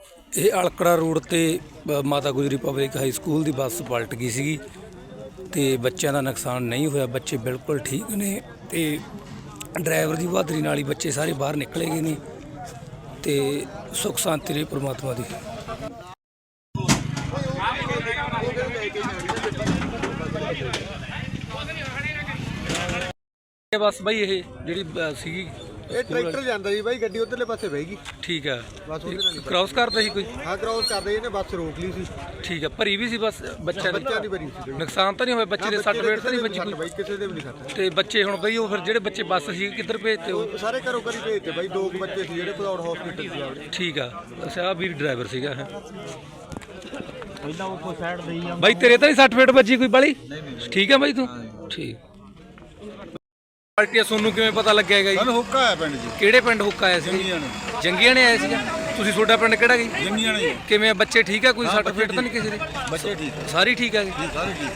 ਇਹ ਅਲਕੜਾ ਰੋਡ ਤੇ Mata Gujri public high school ਦੀ ਬੱਸ ਪਲਟ ਗਈ ਸੀਗੀ ਤੇ ਬੱਚਿਆਂ ਦਾ ਨੁਕਸਾਨ ਨਹੀਂ ਹੋਇਆ। ਬੱਚੇ ਬਿਲਕੁਲ ਠੀਕ ਨੇ ਤੇ ਡਰਾਈਵਰ ਦੀ ਬਹਾਦਰੀ ਨਾਲ ਹੀ ਬੱਚੇ ਸਾਰੇ ਬਾਹਰ ਨਿਕਲੇ ਗਏ ਨੇ ਤੇ ਸੁੱਖ ਸ਼ਾਂਤੀ ਰਹੀ ਪ੍ਰਮਾਤਮਾ ਦੀ। ਬਸ ਬਾਈ ਇਹ ਜਿਹੜੀ ਸੀਗੀ ਇਹ ਟਰੈਕਟਰ ਜਾਂਦਾ ਜੀ ਬਾਈ, ਗੱਡੀ ਉਧਰਲੇ ਪਾਸੇ ਬਹਿ ਗਈ। ਠੀਕ ਹੈ, ਬਸ ਉਹਦੇ ਨਾਲ ਕ੍ਰਾਸ ਕਰਦਾ ਸੀ ਕੋਈ? ਹਾਂ ਕ੍ਰਾਸ ਕਰਦੇ, ਇਹਨੇ ਬੱਸ ਰੋਕ ਲਈ ਸੀ। ਠੀਕ ਹੈ, ਭਰੀ ਵੀ ਸੀ ਬੱਸ ਬੱਚਿਆਂ ਦੀ ਭਰੀ ਸੀ। ਨੁਕਸਾਨ ਤਾਂ ਨਹੀਂ ਹੋਇਆ? ਬੱਚੇ ਦੇ ਸੱਟ ਫੇਟ ਤਾਂ ਨਹੀਂ ਵੱਜੀ ਕੋਈ? ਬਾਈ ਕਿਸੇ ਦੇ ਵੀ ਨਹੀਂ ਸੱਟ। ਤੇ ਬੱਚੇ ਹੁਣ ਬਈ ਉਹ ਫਿਰ ਜਿਹੜੇ ਬੱਚੇ ਬੱਸ ਸੀ ਕਿੱਧਰ ਭੇਜਤੇ? ਉਹ ਸਾਰੇ ਘਰੋਂ ਘਰੀ ਭੇਜਤੇ ਬਾਈ। 2 ਬੱਚੇ ਸੀ ਜਿਹੜੇ ਭਦੌੜ ਹਸਪੀਟਲ ਚ ਜਾਵੜੇ। ਠੀਕ ਆ, ਅੱਛਾ, ਆ ਵੀਰ ਡਰਾਈਵਰ ਸੀਗਾ ਇਹ। ਪਹਿਲਾਂ ਉਹ ਸਾਈਡ ਦੇਈ ਜਾਂਦਾ ਬਾਈ ਤੇਰੇ ਤਾਂ ਨਹੀਂ ਸੱਟ ਫੇਟ ਵੱਜੀ ਕੋਈ ਬਾਲੀ? ਠੀਕ ਆ ਬਾਈ ਤੂੰ? ਠੀਕ। ਪਾਰਟੀ ਸੋਨੂੰ ਕਿਵੇਂ ਪਤਾ ਲੱਗਿਆ ਹੈਗਾ ਜੀ? ਸਾਨੂੰ ਹੁੱਕਾ ਆਇਆ ਪਿੰਡ ਜੀ। ਕਿਹੜੇ ਪਿੰਡ ਹੁੱਕਾ ਆਇਆ ਸੀ? ਜੰਗੀਆਂ ਨੇ। ਜੰਗੀਆਂ ਨੇ ਆਏ ਸੀ? ਤੁਸੀਂ ਤੁਹਾਡਾ ਪਿੰਡ ਕਿਹੜਾ ਜੀ? ਜੰਗੀਆਂ ਨੇ ਜੀ। ਕਿਵੇਂ ਆ, ਬੱਚੇ ਠੀਕ ਆ? ਕੋਈ ਸੱਟ ਫੇਟ ਤਾਂ ਨਹੀਂ ਕਿਸੇ ਦੇ? ਬੱਚੇ ਠੀਕ ਸਾਰੀ ਠੀਕ ਆ ਜੀ? ਸਾਰੇ ਠੀਕ।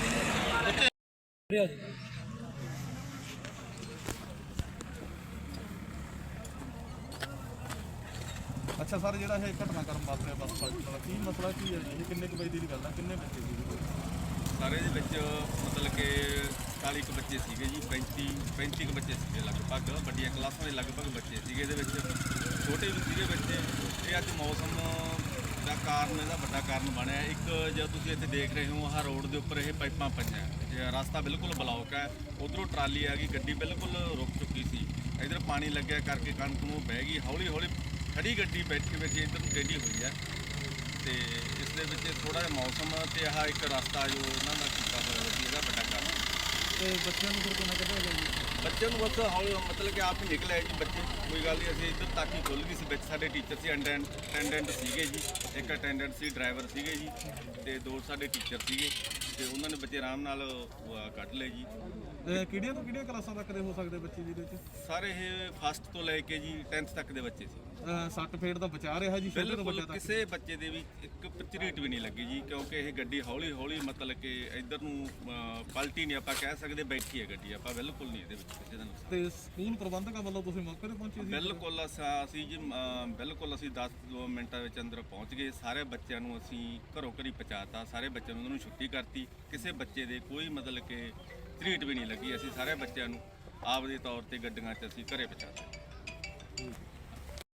ਅੱਛਾ ਸਰ, ਜਿਹੜਾ ਇਹ ਘਟਨਾ ਕਰਨ ਵਾਸਤੇ ਬੱਸ ਪਲਟਣ ਦਾ ਕੀ ਮਸਲਾ ਕੀ ਹੈ ਜੀ? ਇਹ ਕਿੰਨੇ ਕੁ ਵਜੇ ਦੀ ਗੱਲ ਹੈ? ਕਿੰਨੇ ਬੱਚੇ ਸੀ? ਸਾਰੇ ਦੇ ਵਿੱਚ ਮਤਲਬ ਕਿ 40 ਕੁ ਬੱਚੇ ਸੀਗੇ ਜੀ। 35 ਕੁ ਬੱਚੇ ਸੀਗੇ ਲਗਭਗ। ਵੱਡੀਆਂ ਕਲਾਸਾਂ ਦੇ ਲਗਭਗ ਬੱਚੇ ਸੀਗੇ ਇਹਦੇ ਵਿੱਚ, ਛੋਟੇ ਵੀ ਸੀਗੇ ਬੱਚੇ। ਇਹ ਅੱਜ ਮੌਸਮ ਦਾ ਕਾਰਨ, ਇਹਦਾ ਵੱਡਾ ਕਾਰਨ ਬਣਿਆ। ਇੱਕ ਜਦ ਤੁਸੀਂ ਇੱਥੇ ਦੇਖ ਰਹੇ ਹੋ, ਆਹ ਰੋਡ ਦੇ ਉੱਪਰ ਇਹ ਪਾਈਪਾਂ ਪਈਆਂ, ਰਸਤਾ ਬਿਲਕੁਲ ਬਲੌਕ ਹੈ। ਉਧਰੋਂ ਟਰਾਲੀ ਆ ਗਈ, ਗੱਡੀ ਬਿਲਕੁਲ ਰੁਕ ਚੁੱਕੀ ਸੀ। ਇੱਧਰ ਪਾਣੀ ਲੱਗਿਆ ਕਰਕੇ ਕਣਕ ਨੂੰ ਬਹਿ ਗਈ। ਹੌਲੀ ਹੌਲੀ ਖੜੀ ਗੱਡੀ ਬੈਠੀ ਇੱਧਰ ਨੂੰ ਟੇਢੀ ਹੋਈ ਹੈ ਤੇ ਇਸ ਦੇ ਵਿੱਚ ਥੋੜਾ ਜਿਹਾ ਮੌਸਮ ਤੇ ਆਹ ਇੱਕ ਰਸਤਾ ਜੋ ਇਹਨਾਂ ਦਾ ਕੀਤਾ ਹੋਇਆ ਸੀ, ਇਹਦਾ ਵੱਡਾ ਕਾਰਨ। ਤੇ ਬੱਚਿਆਂ ਨੂੰ ਫਿਰ ਕਿੰਨਾ ਕੱਢਿਆ ਗਿਆ ਜੀ? ਬੱਚਿਆਂ ਨੂੰ ਬਸ ਹੌਲੀ ਮਤਲਬ ਕਿ ਆਪ ਹੀ ਨਿਕਲ ਆਏ ਜੀ ਬੱਚੇ। ਕੋਈ ਗੱਲ ਨਹੀਂ, ਅਸੀਂ ਇੱਧਰ ਤੱਕ ਹੀ ਖੁੱਲ੍ਹ ਗਈ ਸੀ। ਵਿੱਚ ਸਾਡੇ ਟੀਚਰ ਸੀ, ਅਟੈਂਡੈਂਟ ਸੀਗੇ ਜੀ। ਇੱਕ ਅਟੈਂਡੈਂਟ ਸੀ, ਡਰਾਈਵਰ ਸੀਗੇ ਜੀ, ਤੇ 2 ਸਾਡੇ ਟੀਚਰ ਸੀਗੇ ਤੇ ਉਹਨਾਂ ਨੇ ਬੱਚੇ ਆਰਾਮ ਨਾਲ ਕੱਢ ਲਏ ਜੀ। ਕਿਹੜੀਆਂ ਤੋਂ ਕਿਹੜੀਆਂ ਕਲਾਸਾਂ ਤੱਕ ਦੇ ਹੋ ਸਕਦੇ ਬੱਚੇ ਜਿਹਦੇ ਵਿੱਚ? ਸਾਰੇ ਇਹ ਫਸਟ ਤੋਂ ਲੈ ਕੇ ਜੀ 10th ਤੱਕ ਦੇ ਬੱਚੇ ਸੀ। ਸੱਟ ਫੇਟ ਦਾ ਬਚਾ ਰਿਹਾ ਜੀ ਛੋਟੇ ਤੋਂ ਵੱਡੇ ਬਿਲਕੁਲ ਤੱਕ? ਕਿਸੇ ਬੱਚੇ ਦੇ ਵੀ ਇੱਕ ਝਰੀਟ ਵੀ ਨਹੀਂ ਲੱਗੀ ਜੀ, ਕਿਉਂਕਿ ਇਹ ਗੱਡੀ ਹੌਲੀ ਹੌਲੀ ਮਤਲਬ ਕਿ ਇੱਧਰ ਨੂੰ ਪਲਟੀ ਨਹੀਂ ਆਪਾਂ ਕਹਿ ਸਕਦੇ, ਬੈਠੀ ਹੈ ਗੱਡੀ। ਆਪਾਂ ਬਿਲਕੁਲ ਨਹੀਂ ਇਹਦੇ ਵਿੱਚ ਕਿਸੇ ਦਾ ਨੁਕਸਾਨ। ਤੇ ਸਕੂਲ ਪ੍ਰਬੰਧਕਾਂ ਵੱਲੋਂ ਤੁਸੀਂ ਮੌਕੇ ਤੇ ਪਹੁੰਚੇ ਸੀ? ਬਿਲਕੁਲ ਅਸੀਂ ਜੀ ਬਿਲਕੁਲ ਅਸੀਂ 10 ਮਿੰਟਾਂ ਵਿੱਚ ਅੰਦਰ ਪਹੁੰਚ ਗਏ। ਸਾਰੇ ਬੱਚਿਆਂ ਨੂੰ ਅਸੀਂ ਘਰੋਂ ਘਰੀ ਪਹੁੰਚਾਤਾ। ਸਾਰੇ ਬੱਚਿਆਂ ਨੂੰ ਉਹਨਾਂ ਨੂੰ ਛੁੱਟੀ ਕਰਤੀ। ਕਿਸੇ ਬੱਚੇ ਦੇ ਕੋਈ ਮਤਲਬ ਕਿ ਝਰੀਟ ਵੀ ਨਹੀਂ ਲੱਗੀ। ਅਸੀਂ ਸਾਰੇ ਬੱਚਿਆਂ ਨੂੰ ਆਪ ਦੇ ਤੌਰ ਤੇ ਗੱਡੀਆਂ 'ਚ ਅਸੀਂ ਘਰੇ ਪਹੁੰਚਾਤਾ।